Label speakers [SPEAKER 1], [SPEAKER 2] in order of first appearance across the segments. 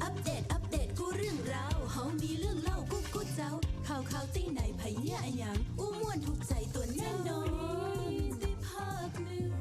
[SPEAKER 1] อัปเดตกูเรื่องราวเฮามีเรื่องเล่ากูเจ้าข่าวตีไหนไผเนี่ยอะหยังอู้ม่วนถูกใจตัวแน่นอนได้ภาคเหนือ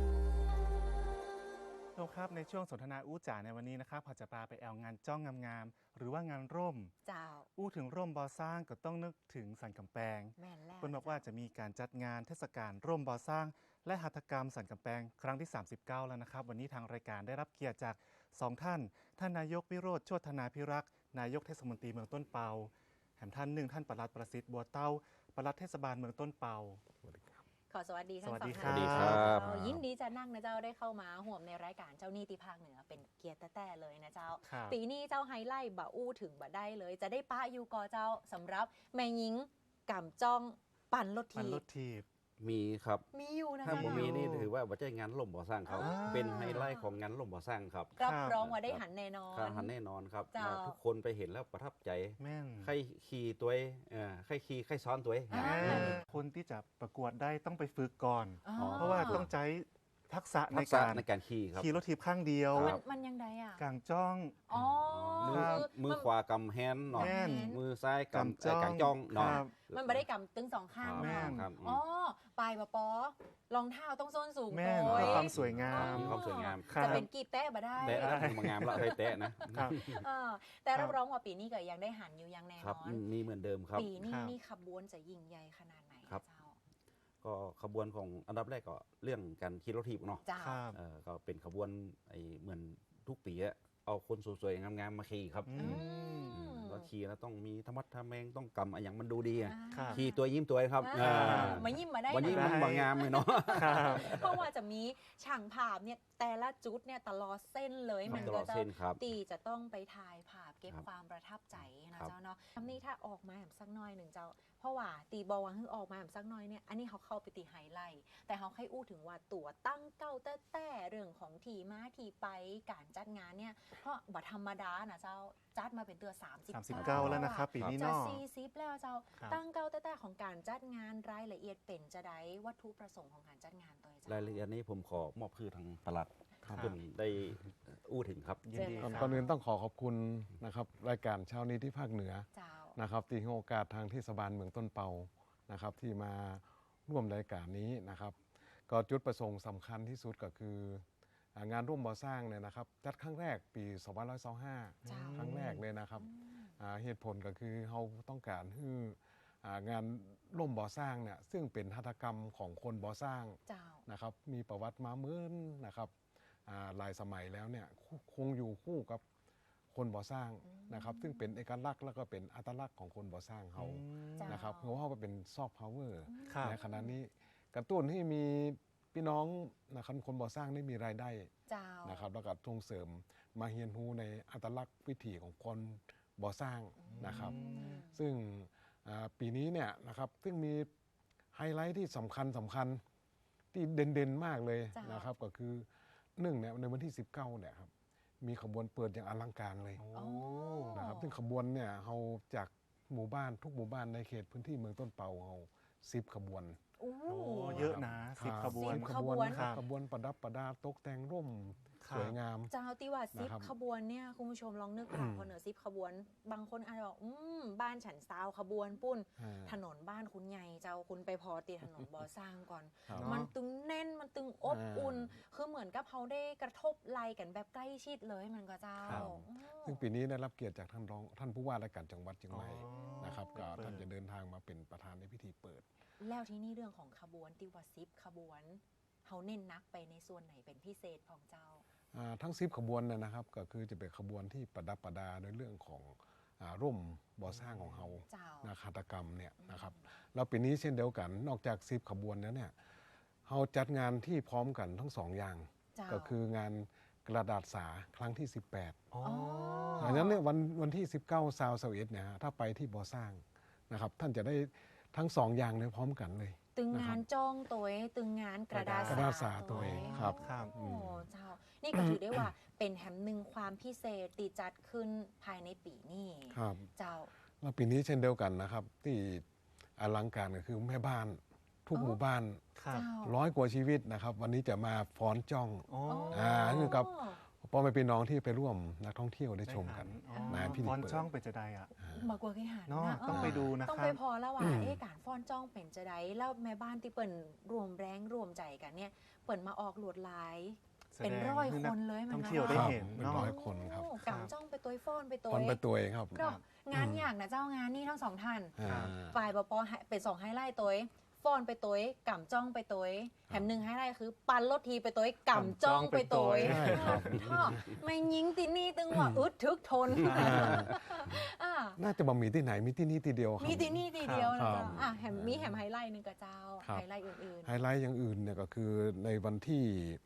[SPEAKER 2] ครับในช่วงสนทนาอู้จ๋าในวันนี้นะครับพอจะพาไปแอลงานจ้องงามๆหรือว่างานร่ม
[SPEAKER 3] เจ้า
[SPEAKER 2] อู้ถึงร่มบอสร้างก็ต้องนึกถึงสันกำแพง
[SPEAKER 3] แม่นแล้ว
[SPEAKER 2] เพิ่นบอกว่าจะมีการจัดงานเทศกาลร่มบอสร้างและหัตถกรรมสันกำแพงครั้งที่39แล้วนะครับวันนี้ทางรายการได้รับเกียรติจาก2ท่านนายกวิโรจน์โชตินาภิรักษ์นายกเทศมนตรีเมืองต้นเปาแถมท่านหนึ่งท่านปลัดประสิทธิ์บัวเต้าปลัดเทศบาลเมืองต้นเปา
[SPEAKER 3] ขอสวัสดีทั้งสอง
[SPEAKER 2] สวัสดี
[SPEAKER 3] ท่าน
[SPEAKER 2] ครับ
[SPEAKER 3] ยินดีจะนั่งนะเจ้าได้เข้ามาห่วมในรายการเจ้าหนี้ที่ภาคเหนือเป็นเกียรติแต่เลยนะเจ้าปีนี้เจ้าไฮไลท์บ่อู้ถึงบ่ได้เลยจะได้ป้าอยู่กอเจ้าสำหรับแม่หญิงกำจ้องปั่นรถ
[SPEAKER 2] ทีบ
[SPEAKER 4] มีครับ
[SPEAKER 3] มีอยู่นะ
[SPEAKER 4] ถ้าผมมีนี่
[SPEAKER 3] เจ้า
[SPEAKER 4] ถือว่าบัจจัยงานล่มบ่อสร้างครับเป็นไฮไลท์ของงานล่มบ่อสร้างครับ
[SPEAKER 3] รับรองว่าได้หันแน่นอน
[SPEAKER 4] หันแน่นอนครับ
[SPEAKER 3] เจ้า
[SPEAKER 4] ทุกคนไปเห็นแล้วประทับใจ
[SPEAKER 2] แม่น
[SPEAKER 4] ใครขี่ตัวใครขี่ใครซ้อนตัว
[SPEAKER 2] คนที่จะประกวดได้ต้องไปฝึกก่อน
[SPEAKER 3] อ๋อ
[SPEAKER 2] เพราะว่าต้องใช้ทักษะใน
[SPEAKER 4] ทักษะ
[SPEAKER 2] การ
[SPEAKER 4] ในการขี่ครับ
[SPEAKER 2] ขี่รถทีบข้างเดียว
[SPEAKER 4] ครับ
[SPEAKER 3] มันยังไงอ่ะ
[SPEAKER 2] กลางจ้อง
[SPEAKER 3] อ๋อ
[SPEAKER 4] มือขวากำแฮนด์หนอน
[SPEAKER 2] แม่น
[SPEAKER 4] มือซ้ายกำ
[SPEAKER 2] จ้อง
[SPEAKER 4] กางจ้องหนอน
[SPEAKER 2] ครับ
[SPEAKER 3] มันไม่ได้กำตึงสองข้าง
[SPEAKER 2] แม่น
[SPEAKER 4] ครับ
[SPEAKER 3] อ๋อปลายปอรองเท้าต้องส้นสูง
[SPEAKER 2] แม่น
[SPEAKER 3] โด
[SPEAKER 2] เพื่
[SPEAKER 3] ย
[SPEAKER 2] อความสวยงาม
[SPEAKER 4] มีความสวยงาม
[SPEAKER 2] ครับ
[SPEAKER 3] จะเป็นกีบแตะมาได้
[SPEAKER 4] แตะมางามละเคยแตะนะครับ
[SPEAKER 3] แต่รับรองว่าปีนี้ก็ยังได้หันอยู่ยังแน่
[SPEAKER 4] ครับ
[SPEAKER 3] นอน
[SPEAKER 4] มีเหมือนเดิมครับ
[SPEAKER 3] ปีนี้
[SPEAKER 2] ครับ
[SPEAKER 3] นี่ขบวนจะยิ่งใหญ่ขนาดไหน
[SPEAKER 4] ครับ
[SPEAKER 3] เจ้า
[SPEAKER 4] ก็ขบวนของอันดับแรกก็เรื่องการขี่รถถีบเนาะ
[SPEAKER 3] เจ้า
[SPEAKER 2] ครับ
[SPEAKER 4] ก็เป็นขบวนเหมือนทุกปีอะเอาคนสวยๆงามๆมาขี่ครับ
[SPEAKER 2] อืม
[SPEAKER 4] แล้วขี่แล้วต้องมีธรรมะทะแมงต้องกำอะไรอย่างมันดูดีอะ
[SPEAKER 2] ครับ
[SPEAKER 4] ขี่ตัวยิ้มตัวครับ
[SPEAKER 3] มายิ้มมาได้
[SPEAKER 4] วันนี้
[SPEAKER 3] นะ
[SPEAKER 4] มันบางงามเลยเนาะ
[SPEAKER 2] ครับ
[SPEAKER 3] เพราะว่าจะมีช่างภาพเนี่ยแต่ละจุดเนี่ยตลอดเส้นเลยมัน
[SPEAKER 4] ตล
[SPEAKER 3] ก็
[SPEAKER 4] อด
[SPEAKER 3] จะ
[SPEAKER 4] เส้นครับ
[SPEAKER 3] ตีจะต้องไปถ่ายภาพเก็บ
[SPEAKER 4] ครับ
[SPEAKER 3] ความประทับใจนะครับ เจ้าเนาะคำนี้ถ้าออกมาแบบสักหน้อยหนึ่งเจ้า เพราะว่าตีบอวังคือออกมาแบบสักหน้อยเนี่ยอันนี้เขาเข้าไปตีไฮไลท์แต่เขาให้อู้ถึงว่าตัวตั้งเก้าแต่เรื่องของทีมาทีไปการจัดงานเนี่ยเพราะบัธรรมดานะเจ้าจัดมาเป็นตัว
[SPEAKER 2] 39แล้วนะครับปีนี้
[SPEAKER 3] จะ
[SPEAKER 2] เนาะ
[SPEAKER 3] 40แล้วเจ้า
[SPEAKER 2] ครับ
[SPEAKER 3] ตั้งเก้าแต่ของการจัดงานรายละเอียดเป็นจะได้วัตถุประสงค์ของการจัดงานตัวเจ้าร
[SPEAKER 4] ายละเอียดนี้ผมขอมอบคือทางปลัด
[SPEAKER 2] ครับ
[SPEAKER 4] เพื่อนได้อู้ถึงครับ
[SPEAKER 2] ยินดีครับ
[SPEAKER 5] ก่อนอื่นต้องขอบคุณนะครับรายการเช้านี้ที่ภาคเหนือ
[SPEAKER 3] เจ้า
[SPEAKER 5] นะครับที่ให้โอกาสทางเทศบาลเมืองต้นเปานะครับที่มาร่วมรายการนี้นะครับก็จุดประสงค์สำคัญที่สุดก็คืองานร่วมบ่อสร้างเนี่ยนะครับจัดครั้งแรกปี
[SPEAKER 3] เจ้า
[SPEAKER 5] 2525 ครั้งแรกเลยนะครับเหตุผลก็คือเราต้องการให้งานร่วมบ่อสร้างเนี่ยซึ่งเป็นหัตถกรรมของคนบ่อสร้าง
[SPEAKER 3] เจ้า
[SPEAKER 5] นะครับมีประวัติมาเหมือนนะครับหลายสมัยแล้วเนี่ยคงอยู่คู่กับคนบ่อสร้างนะครับซึ่งเป็นเอกลักษณ์แล้วก็เป็นอัตลักษณ์ของคนบ่อสร้างเขา
[SPEAKER 3] เจ้าน
[SPEAKER 5] นะครับเพราะว่าเป็นซอฟต์พาวเวอร์
[SPEAKER 2] ครับ
[SPEAKER 5] ในขณะนี้กระตุ้นให้มีพี่น้องนะครับคนบ่อสร้างได้มีรายได้
[SPEAKER 3] เจ้า
[SPEAKER 5] นะครับแล้วก็ส่งเสริมมาเรียนรู้ในอัตลักษณ์วิถีของคนบ่อสร้างนะครับซึ่งปีนี้เนี่ยนะครับซึ่งมีไฮไลท์ที่สำคัญที่เด่นๆมากเลย
[SPEAKER 3] จ้าน
[SPEAKER 5] นะครับก็คือเนี่ยในวันที่ 19เนี่ยครับมีขบวนเปิดอย่างอลังการเลย
[SPEAKER 2] โอ้
[SPEAKER 5] นะครับซึ่งขบวนเนี่ยเราจากหมู่บ้านทุกหมู่บ้านในเขตพื้นที่เมืองต้นเปาเรา10 ขบวน
[SPEAKER 3] โอ้
[SPEAKER 2] โอ้เยอะนะ10 ขบวน
[SPEAKER 3] 10
[SPEAKER 5] ขบวน
[SPEAKER 2] ครับ
[SPEAKER 5] ขบวนประดับประดาตกแต่งร่ม
[SPEAKER 2] ครับ
[SPEAKER 5] สวยงาม
[SPEAKER 3] เจ้าที่ว่าซิป
[SPEAKER 5] นะครับ
[SPEAKER 3] ขบวนเนี่ยคุณผู้ชมลองนึกภาพพอเหนือซิปขบวน บางคนอาจจะบอกบ้านฉันซาวขบวนปุ้น ถนนบ้านคุณใหญ่เจ้าคุณไปพอตีถนนบ่อสร้างก่อน
[SPEAKER 5] ครับ
[SPEAKER 3] มันตึงแน่นมันตึงอบอุ่น คือเหมือนกับเขาได้กระทบไหลกันแบบใกล้ชิดเลยมันก็เจ้า
[SPEAKER 2] ครับ
[SPEAKER 5] ซึ่งปีนี้ได้รับเกียรติจากท่านผู้ว่าราชการจังหวัดเชียงใหม่
[SPEAKER 2] อ๋อ
[SPEAKER 5] นะครับก็
[SPEAKER 2] เปิด
[SPEAKER 5] ท่านจะเดินทางมาเป็นประธานในพิธีเปิด
[SPEAKER 3] แล้วที่นี่เรื่องของขบวนติวาซิปขบวนเขาเน้นนักไปในส่วนไหนเป็นพิเศษของเจ้า
[SPEAKER 5] ทั้ง10 ขบวนเนยนะครับก็คือจะเป็นขบวนที่ประดับประดาในเรื่องของร่มบ่อสร้างของเรา
[SPEAKER 3] เจ้า
[SPEAKER 5] นะหัตถกรรมเนี่ยนะครับแล้วปีนี้เช่นเดียวกันนอกจาก10 ขบวนแล้วเนี่ยเราจัดงานที่พร้อมกันทั้ง2อย่าง
[SPEAKER 3] เจ้า
[SPEAKER 5] ก็คืองานกระดาษสาครั้งที่ 18
[SPEAKER 2] อ๋อ
[SPEAKER 5] ดังนั้นเนี่ยวันที่ 19 21เนี่ยฮะถ้าไปที่บ่อสร้างนะครับท่านจะได้ทั้ง2อย่างเลยพร้อมกันเลย
[SPEAKER 3] ตึง
[SPEAKER 5] นะค
[SPEAKER 3] งา
[SPEAKER 5] รับ
[SPEAKER 3] นจ้องตัวเองตึงงานกระดาษ
[SPEAKER 5] กระดาษสาตัวเองครับ
[SPEAKER 2] ครับ
[SPEAKER 3] โอ้เจ้า นี่ก็ถือได้ว่าเป็นแหมหนึ่งความพิเศษตีจัดขึ้นภายในปีนี้
[SPEAKER 5] ครับ
[SPEAKER 3] เจ้า
[SPEAKER 5] แล้วปีนี้เช่นเดียวกันนะครับที่อลังการก็คือแม่บ้านทุกหมู่บ้าน
[SPEAKER 2] ครับ
[SPEAKER 3] เจ้า
[SPEAKER 5] 100 กว่าชีวิตนะครับวันนี้จะมาฟ้อนจ้อง
[SPEAKER 2] อ๋อ
[SPEAKER 5] คือกับพ่อแม่พี่น้องที่ไปร่วมนักท่องเที่ยวได้ชมกัน
[SPEAKER 2] ได้
[SPEAKER 5] งานพิธี
[SPEAKER 2] ฟอน
[SPEAKER 5] เปิด
[SPEAKER 2] ช่องเป็นจะได้อ่ะ
[SPEAKER 3] มากกว่าเคยหัน
[SPEAKER 2] เนาะ
[SPEAKER 3] นะ
[SPEAKER 2] ต้องไปดูนะ
[SPEAKER 3] ต้อง
[SPEAKER 2] ครั
[SPEAKER 3] ไป
[SPEAKER 2] บ
[SPEAKER 3] พอแล้วว่าการฟ้อนจ้องเป็นจะได้แล้วแม่บ้านที่เปิ่นรวมแรงรวมใจกันเนี่ยเปิ่นมาออกลวดลาย เป็นร้อยคนเลยมัน
[SPEAKER 2] ท่องเที่ยวได้เห็น
[SPEAKER 5] เป็น
[SPEAKER 2] เนาะ
[SPEAKER 5] ร้อยคนครับ
[SPEAKER 3] โอ้กำจ้องไปตัวฟ้อนไปตัว
[SPEAKER 5] คนไปตัวเองครับ
[SPEAKER 3] เนาะงานอย่างนะเจ้างานนี่ทั้งสองท่าน
[SPEAKER 5] อ่า
[SPEAKER 3] ฝ่ายปปเป็น2ไฮไลท์ตัวฟ้อนไปตัวกำจ้องไปตัวแถม1ไฮไลท์คือปันรถทีไปตัวกำจ้องไปตัว
[SPEAKER 5] ใช่ครับ
[SPEAKER 3] ท่อไม่ยิงตีนี่ตึงว่าอึดทึกทนอ่า
[SPEAKER 5] น่าจะบ่มีที่ไหนมีที่นี่ที่เดียวครับ
[SPEAKER 3] มีตีนี่ตีเดียวนะ
[SPEAKER 5] ครั
[SPEAKER 3] เจ้า
[SPEAKER 5] บ
[SPEAKER 3] อ่ะแถมมีแถมไฮไลท์หนึ่งกับเจ้า
[SPEAKER 5] ครับ
[SPEAKER 3] ไฮไลท์อื่น
[SPEAKER 5] ไฮไลท์อย่างอื่นเนี่ยก็คือในวันที่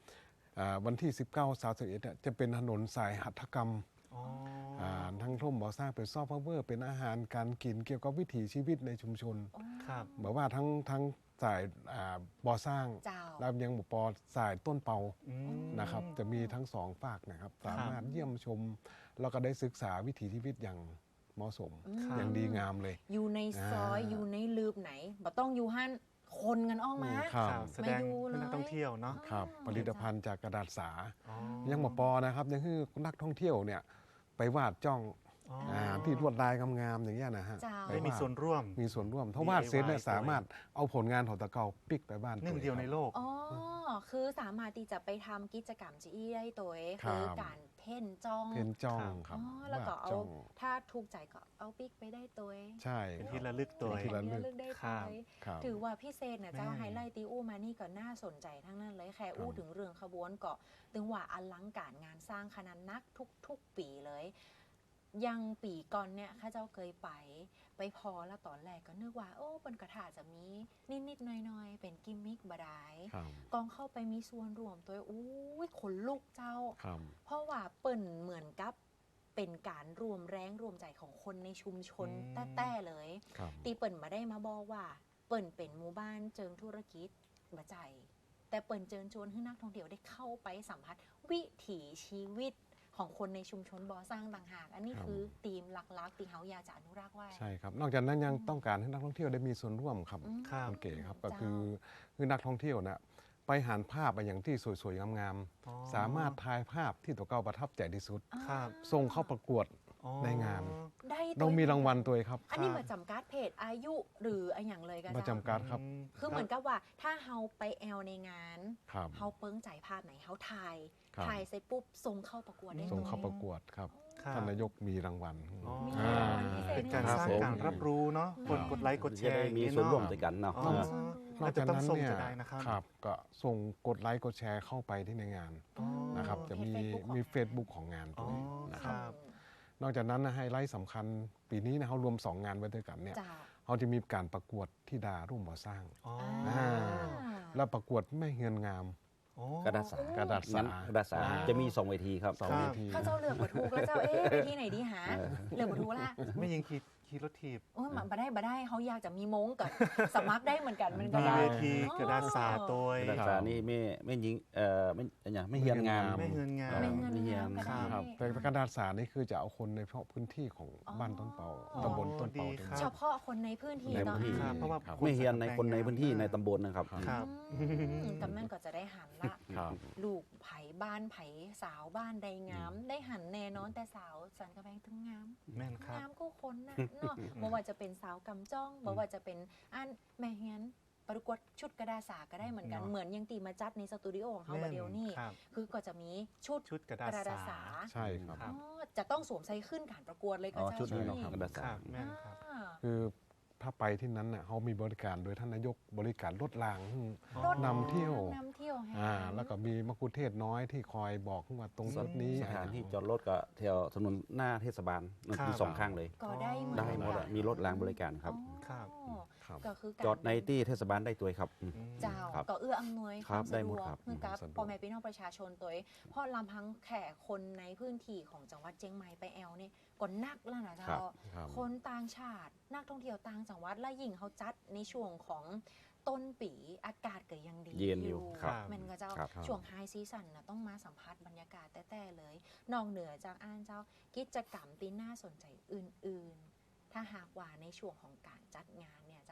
[SPEAKER 5] 19 31เนี่ยจะเป็นถนนสายหัตถกรรม
[SPEAKER 2] อ๋อ
[SPEAKER 5] ทั้งร่มบ่อสร้างเป็นซอฟต์พาวเวอร์เป็นอาหารการกินเกี่ยวกับวิถีชีวิตในชุมชน
[SPEAKER 3] ๆโอ้
[SPEAKER 2] ครับ
[SPEAKER 5] แบบว่าทั้งสายบ่อสร้าง
[SPEAKER 3] เจ้า
[SPEAKER 5] แล้วยังปอสายต้นเปา
[SPEAKER 2] อืม
[SPEAKER 5] นะครับจะมีทั้งสองฝากนะครับสามารถเยี่ยมชม แล้วก็ได้ศึกษาวิถีชีวิตอย่างเหมาะสม
[SPEAKER 2] ครับ
[SPEAKER 5] อย่างดีงามเลย
[SPEAKER 3] อยู่ในซอย อยู่ในลืบไหนบ่ต้องอยู่หันคนกันออกมา
[SPEAKER 5] ครับ
[SPEAKER 2] ครับแสดง
[SPEAKER 3] มาดูเลย
[SPEAKER 2] ให้นักท่องเที่ยวเนาะ
[SPEAKER 5] ครับผลิตภัณฑ์จากกระดาษสา
[SPEAKER 2] อ๋อ
[SPEAKER 5] ยังปอนะครับยังคือนักท่องเที่ยวเนี่ยไปวาดจ้อง
[SPEAKER 2] อ๋อ
[SPEAKER 5] ที่ลวดลายงามๆอย่างเงี้ยนะฮะ
[SPEAKER 3] เจ้า
[SPEAKER 5] ไป
[SPEAKER 2] ได้มีส่วนร่วม
[SPEAKER 5] มีส่วนร่วมถ้าวาดเสร็จเนี่ย
[SPEAKER 2] DIY
[SPEAKER 5] สามารถเอาผลงานของตะเกาปิกไปบ้าน
[SPEAKER 2] หนึ่ง
[SPEAKER 5] ตัว
[SPEAKER 2] เดียวในโลก
[SPEAKER 3] อ๋อ คือสามารถที่จะไปทำกิจกรรมจีอี้ได้ตัวเอง
[SPEAKER 5] ครับ
[SPEAKER 3] คือการเพ่นจ้อง
[SPEAKER 5] เพนจ้อง
[SPEAKER 2] ครับ
[SPEAKER 5] ครับ
[SPEAKER 3] อ๋อ แล้วก็
[SPEAKER 5] วาด
[SPEAKER 3] เอา
[SPEAKER 5] จ้อง
[SPEAKER 3] ถ้าถูกใจก็เอาปิ๊กไปได้ตัวเอง
[SPEAKER 5] ใช่
[SPEAKER 2] เป็นที่ระลึกตัว
[SPEAKER 5] เป็นที่ระลึก
[SPEAKER 3] เลือกได้
[SPEAKER 2] ครั
[SPEAKER 3] ตัว
[SPEAKER 2] บ
[SPEAKER 3] เอง
[SPEAKER 5] ครับ
[SPEAKER 3] ถือว่าพิเศษนะเจ้า
[SPEAKER 2] แม่น
[SPEAKER 3] ไฮไลท์ตีอู้มานี่ก็น่าสนใจทั้งนั้นเลยแค่อู้
[SPEAKER 5] ครับ
[SPEAKER 3] ถึงเรื่องขบวนเกาะถึงว่าอลังการงานสร้างขนาดนักทุกปีเลย ยังปีก่อนเนี่ยข้าเจ้าเคยไปพอแล้วตอนแรกก็นึกว่าโอ้บนกระถาจะมีนิดๆหน่อยๆเป็นกิมมิกบดาย
[SPEAKER 5] ครับ
[SPEAKER 3] กองเข้าไปมีส่วนรวมตัวอุ้ยขนลุกเจ้า
[SPEAKER 5] ครับ
[SPEAKER 3] เพราะว่าเปิ่นเหมือนกับเป็นการรวมแรงรวมใจของคนในชุมชน
[SPEAKER 2] อืม
[SPEAKER 3] แต้ๆเลย
[SPEAKER 5] ครับ
[SPEAKER 3] ตีเปิ่นมาได้มาบอกว่า เปิ่นเป็นหมู่บ้านเจิงธุรกิจบะใจ แต่เปิ่นเจิญชวนให้นักท่องเที่ยวได้เข้าไปสัมผัสวิถีชีวิตของคนในชุมชนบ่อสร้างต่างหาก อันนี้คือธีมหลักๆที่เฮาอยากจะอนุรักษ์ไว้
[SPEAKER 5] ใช่ครับนอกจากนั้นยังต้องการให้นักท่องเที่ยวได้มีส่วนร่วมครับ
[SPEAKER 3] อืม
[SPEAKER 2] ครับ
[SPEAKER 5] คุณเก๋ครับก็
[SPEAKER 3] เจ้า
[SPEAKER 5] คือนักท่องเที่ยวนะไปหานภาพไปอย่างที่สวยๆงาม
[SPEAKER 2] อ๋อ
[SPEAKER 5] ๆสามารถถ่ายภาพที่ตัวเก่าประทับใจที่สุด
[SPEAKER 2] ครับ
[SPEAKER 5] ส่งเข้าประกวด
[SPEAKER 2] อ๋อ
[SPEAKER 5] ในงาน
[SPEAKER 3] ได้
[SPEAKER 5] เรามีรางวัลตัวเองครับ
[SPEAKER 3] อันนี้มาจำกัดเพจอายุหรืออะไรอย่างเลยกัน
[SPEAKER 5] มาจำกัดครับ
[SPEAKER 3] คือเหมือนกับว่าถ้าเฮาไปแอลในงาน
[SPEAKER 5] ครับ
[SPEAKER 3] เฮาเปิ้งใจภาพไหนเฮาถ่าย
[SPEAKER 5] ครับ
[SPEAKER 3] ถ่ายเสร็จปุ๊บส่งเข้าประกวดได้
[SPEAKER 5] ส่ง
[SPEAKER 3] ลย
[SPEAKER 5] เข้าประกวดครับ
[SPEAKER 2] ครับ
[SPEAKER 5] ท่านนายกมีรางวัล
[SPEAKER 2] อ๋อ
[SPEAKER 3] มี
[SPEAKER 5] อ่าร
[SPEAKER 3] างวัลพิเศษ
[SPEAKER 2] เป็นการ
[SPEAKER 3] ให้
[SPEAKER 2] สร้าง
[SPEAKER 3] เรา
[SPEAKER 2] การรับรู้เนาะกดไลค์กดแช
[SPEAKER 4] จะ
[SPEAKER 2] ร์
[SPEAKER 4] ได้มี
[SPEAKER 2] อย่าง
[SPEAKER 4] ส่วนร่วม
[SPEAKER 2] เาะ
[SPEAKER 4] ด้วยกันเนาะ
[SPEAKER 2] อ๋อ
[SPEAKER 5] นอกจากนั้นเนี่ย
[SPEAKER 2] จะได้นะครับ
[SPEAKER 5] ครับก็ส่งกดไลค์กดแชร์เข้าไปที่ในงาน
[SPEAKER 2] อ๋อ
[SPEAKER 5] นะครับจะมี
[SPEAKER 3] เพจ
[SPEAKER 5] Facebook ของงาน
[SPEAKER 2] อ๋
[SPEAKER 5] ตั
[SPEAKER 2] อ
[SPEAKER 5] วนี้นะ
[SPEAKER 2] ค
[SPEAKER 5] ครับ
[SPEAKER 2] รับ
[SPEAKER 5] นอกจากนั้นนะไฮไลท์สำคัญปีนี้นะเขารวม 2 งานไว้ด้วยกันเนี่ย
[SPEAKER 3] จ้า
[SPEAKER 5] เขาจะมีการประกวดที่ดาร่วมบ่อสร้าง
[SPEAKER 2] อ๋อ
[SPEAKER 5] อ่า แล้วประกวดแม่เฮือนงาม
[SPEAKER 2] อ๋อ
[SPEAKER 4] กระดาษสาก
[SPEAKER 5] ระดาษสา
[SPEAKER 4] งั้นกระดาษสา
[SPEAKER 5] อ่า
[SPEAKER 4] จะมี2 เวทีครับ
[SPEAKER 5] สอง
[SPEAKER 2] ครับ
[SPEAKER 5] เวที
[SPEAKER 3] ข้าเจ้าเลือกบัถูกแล้วเจ้าไปที่ไหนดีหาเลือกบัถูกละ
[SPEAKER 2] ไม่ยิงขี่รถถีบ
[SPEAKER 3] โอ้ยมันบ่ได้เขาอยากจะมีมงกับ สมัครได้เหมือนกันมันก็
[SPEAKER 2] มี
[SPEAKER 3] ได้
[SPEAKER 2] เวทีกระดาษสาตัว
[SPEAKER 4] กระดาษสานี่ไม่ยิงไม่เฮียนงาม
[SPEAKER 2] ไม่เฮือนงาม
[SPEAKER 3] ไม่เงิน
[SPEAKER 4] ไม่เฮีย
[SPEAKER 3] งาม
[SPEAKER 4] น
[SPEAKER 3] ก็ได้
[SPEAKER 5] ครับแต่กระดาษสานี่คือจะเอาคนในเฉพาะพื้นที่ของ
[SPEAKER 3] อ๋อ
[SPEAKER 5] บ้านต้นเปา
[SPEAKER 3] อ๋อ
[SPEAKER 5] ตำบลต้นเปา
[SPEAKER 2] ดี
[SPEAKER 5] ตรง
[SPEAKER 2] ครั
[SPEAKER 5] นี้
[SPEAKER 3] เฉ
[SPEAKER 2] บ
[SPEAKER 3] พาะคนในพื้นที่
[SPEAKER 4] ใน
[SPEAKER 3] เนาะ
[SPEAKER 4] พื้นที่
[SPEAKER 2] ครับเพราะว่า
[SPEAKER 5] ครับ
[SPEAKER 4] ไม่เฮียนในคนในพื้นที่ในตำบลนะครับ
[SPEAKER 2] ครับ
[SPEAKER 3] กำนันก็จะได้หันละ
[SPEAKER 5] ครับ
[SPEAKER 3] ลูกไผ่บ้านไผ่สาวบ้านใดงาม ได้หันแน่นอนแต่สาวสันกระแพงถึงงาม
[SPEAKER 2] แม่นครับ
[SPEAKER 3] งามก็คนนะเนาะบ่ว่าจะเป็นสาวกำจ้องบ่ว่าจะเป็นอันแม่เฮียนประกวดชุดกระดาษสาก็ได้เหมือนกัน
[SPEAKER 2] เนาะ
[SPEAKER 3] เหมือนยังตีมาจัดในสตูดิโอของเขาบดเดียวนี่
[SPEAKER 2] ครับ
[SPEAKER 3] คือก็จะมีชุด
[SPEAKER 2] ชุดกระ
[SPEAKER 3] ก
[SPEAKER 2] ดาษ
[SPEAKER 3] ระดาษ
[SPEAKER 2] สา
[SPEAKER 3] สา
[SPEAKER 5] ใช่ครับ
[SPEAKER 2] ครับ
[SPEAKER 3] อ๋อจะต้องสวมใส่ขึ้นการประกวดเลยก็
[SPEAKER 4] อ๋อ
[SPEAKER 3] เจ้า
[SPEAKER 4] ชุดนี้เนาะ
[SPEAKER 3] นี้
[SPEAKER 4] กระดาษ
[SPEAKER 2] ค
[SPEAKER 4] สา
[SPEAKER 2] รับแม่นครับ
[SPEAKER 3] อ่า
[SPEAKER 5] คือถ้าไปที่นั้นเนี่ยเขามีบริการโดยท่านนายกบริการรถราง
[SPEAKER 3] รถ
[SPEAKER 5] นำเที่ยว
[SPEAKER 3] นำเที่ยวให้
[SPEAKER 5] แล้วก็มีมะกุเทศน้อยที่คอยบอกว่าตรงจุดนี้
[SPEAKER 4] สถานที่จอดรถก็แถวถนนหน้าเทศบาลมันมี
[SPEAKER 2] ครับ
[SPEAKER 4] 2 ข้างเลย
[SPEAKER 3] ก็ได้เหมือน
[SPEAKER 4] ได้หมดอะ
[SPEAKER 3] กัน
[SPEAKER 4] มีรถรางบริการครับ
[SPEAKER 2] ครับ
[SPEAKER 3] อ๋อ
[SPEAKER 5] ครับ
[SPEAKER 3] ก็คือการ
[SPEAKER 4] จอดในที่เทศบาลได้ตัวครับ
[SPEAKER 3] เจ้า
[SPEAKER 4] ครับ
[SPEAKER 3] ก็เอื้ออำนวย
[SPEAKER 4] ครับ
[SPEAKER 3] วาม
[SPEAKER 4] ได้
[SPEAKER 3] สะ
[SPEAKER 4] หม
[SPEAKER 3] ด
[SPEAKER 4] ด
[SPEAKER 3] วก
[SPEAKER 4] ครับ
[SPEAKER 3] ให้กับ
[SPEAKER 5] สะดวก
[SPEAKER 3] พ่อแม่พี่น้องประชาชนตัวเองเพราะลำพังแขกคนในพื้นที่ของจังหวัดเชียงใหม่ไปแอลนี่ก็นักแล้วนะ
[SPEAKER 4] ครั
[SPEAKER 3] เจ้า
[SPEAKER 4] บ
[SPEAKER 5] ครับ
[SPEAKER 3] คนต่างชาตินักท่องเที่ยวต่างจังหวัดและยิ่งเขาจัดในช่วงของต้นปีอากาศก็ยังดี
[SPEAKER 4] เย็นอยู่ครับ
[SPEAKER 3] แมันก็เจ้า
[SPEAKER 4] ครับ
[SPEAKER 3] ช่วงไฮซีซั่นนะต้องมาสัมผัสบรรยากาศแต่ๆเลยนอกเหนือจากอ่านเจ้ากิจกรรมที่น่าสนใจอื่นๆ ถ้าหากว่าในช่วงของการจัดงานเนี่ยเจ้า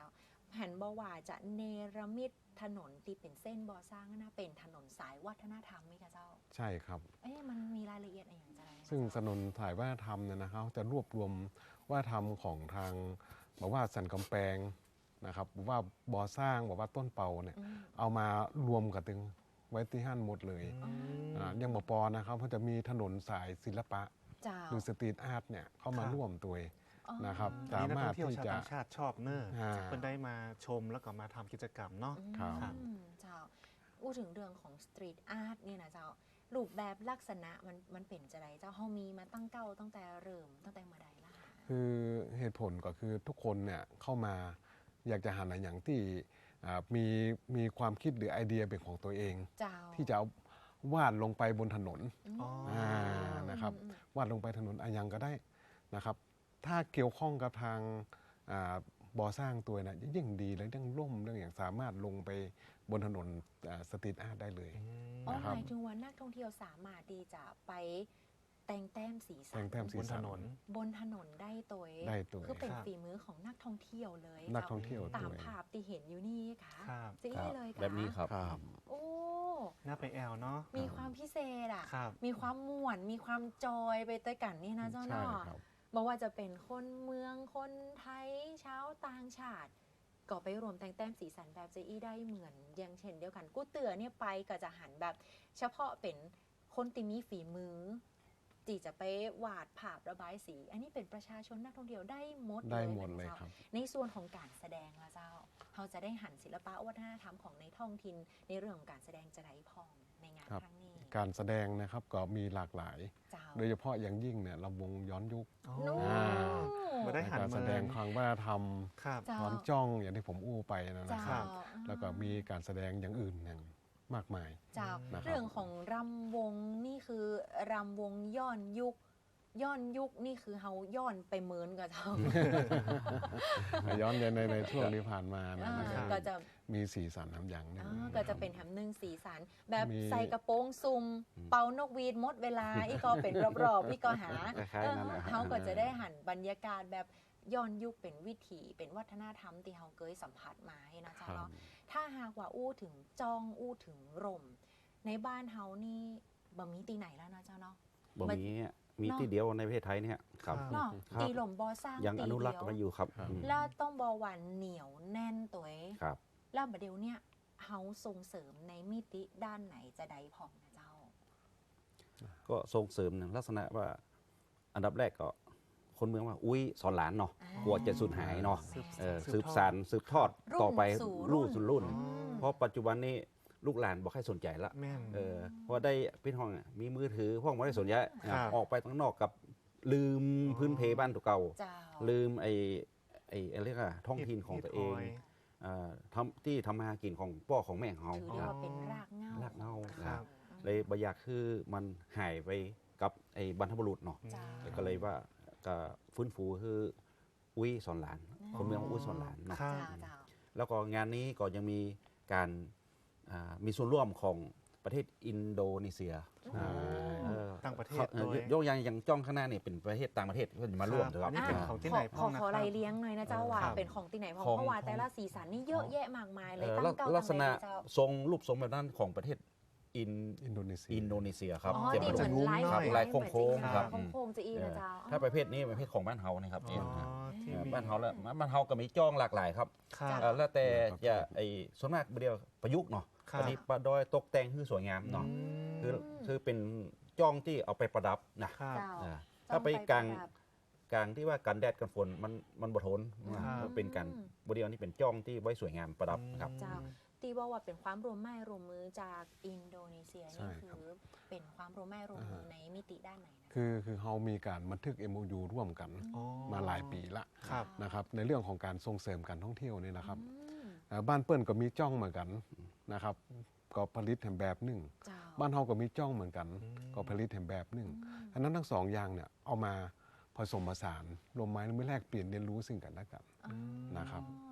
[SPEAKER 3] หันบ่ว่าจะเนรมิตถนนที่เป็นเส้นบ่อสร้างนะเป็นถนนสายวัฒนธรรมไหมคะเจ้า
[SPEAKER 5] ใช่ครับ
[SPEAKER 3] มันมีรายละเอียดอะไรอย่างไร
[SPEAKER 5] ซึ่งถนนสายวัฒนธรรมเนี่ยนะครับจะรวบรวมวัฒนธรรมของทางบอกว่าสันกำแพงนะครับบอกว่าบ่อสร้างบอกว่าต้นเปาเนี่ยเอามารวมกันตึงไว้ที่ห้านหมดเลยยังบ่พอนะครับเขาจะมีถนนสายศิลปะ
[SPEAKER 3] เจ้า
[SPEAKER 5] หรือสตรีทอาร์ตเนี่ยเข้ามา
[SPEAKER 2] ครับ
[SPEAKER 5] ร่วมตัวนะครับ
[SPEAKER 2] อัน
[SPEAKER 5] สา
[SPEAKER 2] นี้นัก
[SPEAKER 5] มา
[SPEAKER 2] ท่
[SPEAKER 5] ร
[SPEAKER 2] อ
[SPEAKER 5] ถ
[SPEAKER 2] งเที่ยว
[SPEAKER 5] ที่
[SPEAKER 2] ชาว
[SPEAKER 5] จะ
[SPEAKER 2] ต่างชาติชอบเนอะ
[SPEAKER 5] อ่า
[SPEAKER 2] เพิ่นได้มาชมแล้วก็มาทำกิจกรรมเนาะ
[SPEAKER 5] ครับ
[SPEAKER 3] เจ้าอู้ถึงเรื่องของสตรีทอาร์ตเนี่ยนะเจ้ารูปแบบลักษณะมันเป็นจะไรเจ้าเฮามีมาตั้งเก้าตั้งแต่เริ่มตั้งแต่เมื่อใดล่ะคะ
[SPEAKER 5] คือเหตุผลก็คือทุกคนเนี่ยเข้ามาอยากจะหาอะไรอย่างที่มีความคิดหรือไอเดียเป็นของตัวเอง
[SPEAKER 3] เจ้า
[SPEAKER 5] ที่จะเอาวาดลงไปบนถนน
[SPEAKER 2] อ๋อ
[SPEAKER 5] นะครับวาดลงไปถนนอายังก็ได้นะครับ ถ้าเกี่ยวข้องกับทางบ่อสร้างตัวนะยิ่งดีเลยเรื่องร่มเรื่องอย่างสามารถลงไปบนถนนสตรีทอาร์ตได้เลย
[SPEAKER 3] อ๋อ
[SPEAKER 5] นะครับ
[SPEAKER 3] หมายถึงว่านักท่องเที่ยวสามารถที่จะไปแต่งแต้มสีสั
[SPEAKER 5] แต่งแต้มสี
[SPEAKER 2] บนถ
[SPEAKER 5] สัน
[SPEAKER 2] นน
[SPEAKER 3] บนถนนได้ตัวเอง
[SPEAKER 5] ได้ตัว
[SPEAKER 3] คือเป็น
[SPEAKER 2] ครับ
[SPEAKER 3] ฝีมือของนักท่องเที่ยวเลย
[SPEAKER 5] นักท่องเที่ยว
[SPEAKER 3] ตาม
[SPEAKER 5] ตัว
[SPEAKER 3] ภาพที่เห็นอยู่นี่ค่ะ
[SPEAKER 2] ครับ
[SPEAKER 3] จะ
[SPEAKER 4] ครั
[SPEAKER 3] อี้
[SPEAKER 4] บ
[SPEAKER 3] เลยค่ะ
[SPEAKER 4] แบบนี้ครับ
[SPEAKER 5] ครับ
[SPEAKER 3] โอ้
[SPEAKER 2] น่าไปแอลเนาะ
[SPEAKER 3] มีความพิเศษอ่ะ
[SPEAKER 2] ครับ
[SPEAKER 3] มีความม่วน มีความจอยไปด้วยกันนี่นะเจ้า
[SPEAKER 5] ใช่
[SPEAKER 3] เนาะ
[SPEAKER 5] ครับ
[SPEAKER 3] บอกว่าจะเป็นคนเมืองคนไทยชาวต่างชาติ ก็ไปรวมแต่งแต้มสีสันแบบเจอี้ได้เหมือนอย่างเช่นเดียวกันกู้เตือเนี่ยไปก็จะหันแบบ เฉพาะเป็นคนที่มีฝีมือที่จะไปวาดภาพระบายสี อันนี้เป็นประชาชนนักท่องเที่ยวได้หมด
[SPEAKER 5] ได้
[SPEAKER 3] เลย
[SPEAKER 5] หมดเลย
[SPEAKER 3] นะ
[SPEAKER 5] ครั
[SPEAKER 3] เจ้า
[SPEAKER 5] บ
[SPEAKER 3] ในส่วนของการแสดงละเจ้าเราจะได้หันศิลปะวัฒนธรรมของในท้องถิ่นในเรื่องของการแสดงจะได้พองในงาน
[SPEAKER 5] ครับ
[SPEAKER 3] ครั้งนี้
[SPEAKER 5] การแสดงนะครับก็มีหลากหลาย
[SPEAKER 3] เจ้า
[SPEAKER 5] โดยเฉพาะอย่างยิ่งเนี่ยลำวงย้อนยุค
[SPEAKER 2] อ๋อ
[SPEAKER 3] นู่
[SPEAKER 5] อ่า
[SPEAKER 2] มาได้หัน
[SPEAKER 5] การ
[SPEAKER 2] มา
[SPEAKER 5] แสดงความวัฒนธรรม
[SPEAKER 2] ครับ
[SPEAKER 3] เจ้า
[SPEAKER 5] ความจ้องอย่างที่ผมอู้ไปนะ
[SPEAKER 3] เจ้า
[SPEAKER 5] ครับ แล้วก็มีการแสดงอย่างอื่นอย่างมากมาย
[SPEAKER 3] เจ้า
[SPEAKER 5] นะครับ
[SPEAKER 3] เรื่องของรำวงนี่คือรำวงย้อนยุคนี่คือเฮาย้อนไปเหมือนกับเจ้า
[SPEAKER 5] ย้อนในช่วงที่ผ่านมานะครับ
[SPEAKER 3] ก็จะ
[SPEAKER 5] มีสีสันทำอย่างหนึง
[SPEAKER 3] ก็จะเป็นแถมหนึ่งสีสัน แบบ
[SPEAKER 5] มี
[SPEAKER 3] ใส่กระโปรงซุ่มเป่านกหวีดหมดเวลา อีกก็เป็นรอบๆอีกก็หา
[SPEAKER 4] คล้ายๆนั่นแหละ
[SPEAKER 3] เขาก็จะได้หันบรรยากาศแบบย้อนยุคเป็นวิถีเป็นวัฒนธรรมที่เขาเคยสัมผัสมาให้นะ
[SPEAKER 5] ครั
[SPEAKER 3] เจ้า
[SPEAKER 5] บ
[SPEAKER 3] เนาะถ้าหากว่าอู้ถึงจ้องอู้ถึงร่ม ในบ้านเฮานี่บ่มีตีไหนแล้วนะเจ้าเนาะ
[SPEAKER 4] บ่มีอะมี
[SPEAKER 3] เนาะ
[SPEAKER 4] ที่เดียวในประเทศไทยเนี่ยครับ
[SPEAKER 3] เนาะ
[SPEAKER 4] ครับ
[SPEAKER 3] ตีหล่มบอสร้าง
[SPEAKER 4] ยัง
[SPEAKER 3] ตี
[SPEAKER 4] อนุรักษ์
[SPEAKER 3] เดียว
[SPEAKER 4] มันอยู่ครับ
[SPEAKER 5] ครับ
[SPEAKER 4] อืม
[SPEAKER 3] แล้วต้องบอหวานเหนียวแน่นตัวเอง
[SPEAKER 4] ครับ
[SPEAKER 3] แล้วบัดเดี๋ยวเนี่ยเฮาส่งเสริมในมิติด้านไหนจะได้พองนะเจ้า
[SPEAKER 4] ก็ส่งเสริมในลักษณะว่า อันดับแรกก็คนเมืองว่าอุ้ยสอนหลานเนาะ
[SPEAKER 3] อ่าก
[SPEAKER 4] ลัวจะสูญหายเนาะ
[SPEAKER 2] สื
[SPEAKER 4] สื
[SPEAKER 2] บบ ทอด
[SPEAKER 4] สานสืบทอด
[SPEAKER 3] รุ่น
[SPEAKER 4] ต่อไป
[SPEAKER 3] สู่
[SPEAKER 4] รุ่นสู่รุ่น
[SPEAKER 2] อ๋อ
[SPEAKER 4] เพราะปัจจุบันนี้ลูกหลานบอกให้สนใจละ
[SPEAKER 2] แม่น
[SPEAKER 4] เพราะได้พี่ห้องอะมีมือถือห้องไม่ได้สนใจ
[SPEAKER 2] ครับ
[SPEAKER 4] ออกไปข้างนอกกับลืมพื้นเพบ้านตัวเก่า
[SPEAKER 3] เจ้า
[SPEAKER 4] ลืมไอ้อะไรเรียกอะท้องถิ่นของตัวเองที่ทำมาหากินของพ่อของแม่ของเขา
[SPEAKER 3] ถือได้ว่าเป็นรากเหง้าร
[SPEAKER 4] ากเหง้า
[SPEAKER 2] ครับ
[SPEAKER 4] เลยบอยากคือมันหายไปกับไอ้บรรพบุรุษเนาะ
[SPEAKER 3] เจ้า
[SPEAKER 4] ก็เลยว่าก็ฟื้นฟูคืออุ้ยสอนหลาน คนเมืองอุ้ยสอนหลานเนาะ
[SPEAKER 2] ครับ
[SPEAKER 3] เจ้า
[SPEAKER 4] แล้วก็งานนี้ก็ยังมีการมีส่วนร่วมของประเทศอินโดนีเซีย เออ
[SPEAKER 2] ต่างประเทศ
[SPEAKER 4] เขา
[SPEAKER 2] ด้วย
[SPEAKER 4] ยกอย่างจ้องข้างหน้าเนี่ยเป็นประเทศต่างประเทศที่จะมาร่วม
[SPEAKER 2] ค
[SPEAKER 4] เถ
[SPEAKER 2] รับ
[SPEAKER 4] อะค
[SPEAKER 2] อั
[SPEAKER 4] รั
[SPEAKER 2] น
[SPEAKER 4] บ
[SPEAKER 2] นี้เป็นของที่ไหนพ่องนะ
[SPEAKER 3] ขอ
[SPEAKER 2] ค
[SPEAKER 3] ไร
[SPEAKER 2] รับ
[SPEAKER 3] เลี้ยงหน่อยนะเจ้าว่า
[SPEAKER 2] ครับ
[SPEAKER 3] เป็นของที่ไหนเพ
[SPEAKER 4] ของ
[SPEAKER 3] ราะว่าแต่ละสีสันนี่เยอะแยะมากมายเลย
[SPEAKER 4] เออ
[SPEAKER 3] ตั้งเก้า
[SPEAKER 4] ลักษณะ
[SPEAKER 3] ตั้งใดเจ้า
[SPEAKER 4] ทรงรูปทรงแบบนั้นของประเทศอิน
[SPEAKER 5] อินโดนีเซีย
[SPEAKER 4] อินโดนีเซียครับ
[SPEAKER 3] อ๋อ
[SPEAKER 4] จะ
[SPEAKER 3] ที่เหมือนลาย
[SPEAKER 4] ครับลายโค้งๆครับ
[SPEAKER 3] โค้งๆจะอีนะเจ้า
[SPEAKER 4] ถ้าประเภทนี้ประเภทของบ้านเฮานะครับ
[SPEAKER 2] อ๋อที่มี
[SPEAKER 4] บ้านเฮาแล้วบ้านเฮาก็มีจ้องหลากหลายครับ
[SPEAKER 2] ครับ
[SPEAKER 4] แล้วแต่จะไอ้ส่วนมากเดียวประยุกต์เนาะ
[SPEAKER 2] ครับ
[SPEAKER 4] อันนี้ประดอยตกแต่งให้สวยงามเนาะคือเป็นจ้องที่เอาไปประดับนะครับ
[SPEAKER 3] เจ้า
[SPEAKER 4] อ่าถ้าไปกลางที่ว่ากันแดดกันฝนมันบ่ทน
[SPEAKER 2] ครับ
[SPEAKER 4] มันเป็นการบริเวณนี้เป็นจ้องที่ไว้สวยงามประดับครับ
[SPEAKER 3] เจ้า ตีบอกว่าเป็นความร่วมไม้ร่วมมือจากอินโดนีเซีย
[SPEAKER 5] ใช่
[SPEAKER 3] นี่
[SPEAKER 5] ครับ
[SPEAKER 3] คือเป็นความร่วมไม้ร่วมมือในมิติด้านไหนนะ
[SPEAKER 5] คือเขามีการบันทึก MOU ร่วมกัน
[SPEAKER 2] อ๋อ
[SPEAKER 5] มาหลายปีละ
[SPEAKER 2] ครับ
[SPEAKER 5] นะครับในเรื่องของการส่งเสริมการท่องเที่ยวนี่นะครับ
[SPEAKER 3] อืม
[SPEAKER 5] บ้านเปิ้ลก็มีจ้องเหมือนกันนะครับก็ผลิตแห่งแบบหนึ่ง
[SPEAKER 3] เจ้า
[SPEAKER 5] บ้านเฮาก็มีจ้องเหมือนกัน ก็ผลิตแห่งแบบหนึ่งอันนั้นทั้งสองอย่างเนี่ยเอามาผสมผสานรวมไม้ไม่แลกเปลี่ยนเรียนรู้ซึ่งกันและกัน นะครับ ก็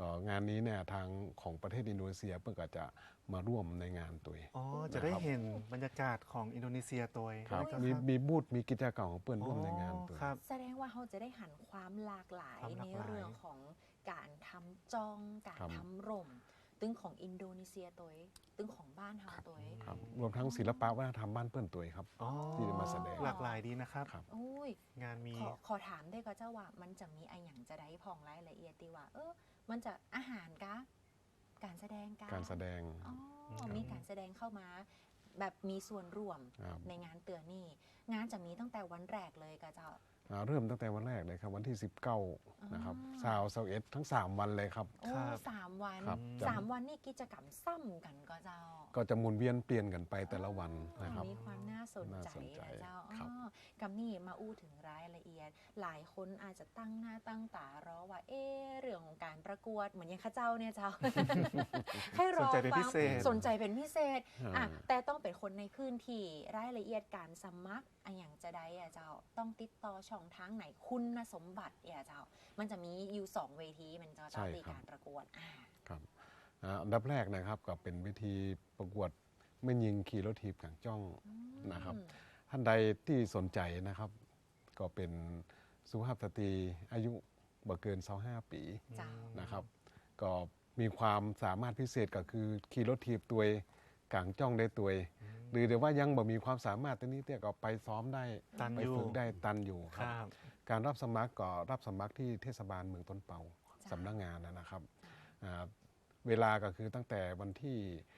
[SPEAKER 5] ก็งานนี้เนี่ยทางของประเทศอินโดนีเซียเพิ่งก็จะมาร่วมในงานตัวเอง
[SPEAKER 2] อ๋อจะได้เห็นบรรยากาศของอินโดนีเซียตัวเอง
[SPEAKER 5] ครับ
[SPEAKER 2] นะ
[SPEAKER 5] มีบูธมีกิจกรรมของเปิ้นร่วมในงานตัว
[SPEAKER 2] ครับ
[SPEAKER 3] แสดงว่าเขาจะได้หันความหลากหลาย
[SPEAKER 2] ความห
[SPEAKER 3] ใน
[SPEAKER 2] ลากหลาย
[SPEAKER 3] เรื่องของการทำจองการ
[SPEAKER 5] ครับ
[SPEAKER 3] ทำร่ม ตึงของอินโดนีเซียตัวเองตึงของบ้านเฮาตัวเอง
[SPEAKER 5] ครับรวมทั้งศิลปะวัฒนธรรมบ้านเปิ้นตัวเองครับ
[SPEAKER 2] อ๋อ
[SPEAKER 5] ที่จะมาแสดง
[SPEAKER 2] หลากหลายดีนะครับ
[SPEAKER 5] ครับ
[SPEAKER 3] อุ้ย
[SPEAKER 2] งานมี
[SPEAKER 3] ขอถามได้ก็เจ้าว่ามันจะมีไออย่างจะได้พองรายละเอียดตีว่า มันจะอาหารกะการแสดงกะ
[SPEAKER 5] การแสดง
[SPEAKER 3] อ๋อ
[SPEAKER 2] ครับ
[SPEAKER 3] มีการแสดงเข้ามา แบบมีส่วนร่วม
[SPEAKER 5] ครับ
[SPEAKER 3] ในงานเตือนนี่งานจะมีตั้งแต่วันแรกเลยกะเจ้า
[SPEAKER 5] เริ่มตั้งแต่วันแรกเลยครับวันที่ 19นะครับ
[SPEAKER 3] อ๋อ
[SPEAKER 5] 21ทั้ง 3 วันเลยครับ
[SPEAKER 3] โอ้
[SPEAKER 2] ครับ
[SPEAKER 3] 3 วัน
[SPEAKER 5] ครับ
[SPEAKER 3] 3 วันนี่กิจกรรมซ้ำกันก็เจ้า
[SPEAKER 5] ก็จะหมุนเวียนเปลี่ยนกันไปแต่ละวันนะครับ
[SPEAKER 3] มีความน่าสนใจ
[SPEAKER 5] น่าสนใจ
[SPEAKER 3] นะเจ้า
[SPEAKER 5] ครับ
[SPEAKER 3] กำนี่มาอู้ถึงรายละเอียด หลายคนอาจจะตั้งหน้าตั้งตารอว่า เรื่องของการประกวดเหมือนอยังข้าเจ้าเนี่ยเจ้า ให้รอ
[SPEAKER 2] สนใจเป็น
[SPEAKER 3] ฟั
[SPEAKER 2] พิ
[SPEAKER 3] ง
[SPEAKER 2] เศษ
[SPEAKER 3] สนใจเป็นพิเศษ
[SPEAKER 5] อ่า
[SPEAKER 3] แต่ต้องเป็นคนในพื้นที่รายละเอียดการสมัครอย่างจะได้เจ้า ต้องติดต่อช่องทางไหนคุณสมบัติเจ้า มันจะมีอยู่2 เวทีมันจะ
[SPEAKER 5] ใช่
[SPEAKER 3] ตี
[SPEAKER 5] ครับ
[SPEAKER 3] การประกวด
[SPEAKER 5] ครับอันดับแรกนะครับก็เป็นวิธีประกวดไม่ยิงขี่รถถีบกลางจ้องนะครับ ท่านใดที่สนใจนะครับ ก็เป็นสุภาพสตรีอายุบ่เกิน25 ปี
[SPEAKER 3] เจ้า
[SPEAKER 5] นะครับ ก็มีความสามารถพิเศษก็คือขี่รถถีบตัวเองกลางจ้องได้ตัวเองหรือแต่ว่ายังบ่มีความสามารถตัวนี้เตี้ยก็ไปซ้อมได้
[SPEAKER 2] ตัน
[SPEAKER 5] ไป
[SPEAKER 2] อยู่
[SPEAKER 5] ฝึกได้ตันอยู่ค
[SPEAKER 2] ครับ รับ
[SPEAKER 5] การรับสมัครก็รับสมัครที่เทศบาลเมืองต้นเปา
[SPEAKER 3] จ้ะ
[SPEAKER 5] สำนักงานนะครับอ่าเวลาก็คือตั้งแต่วันที่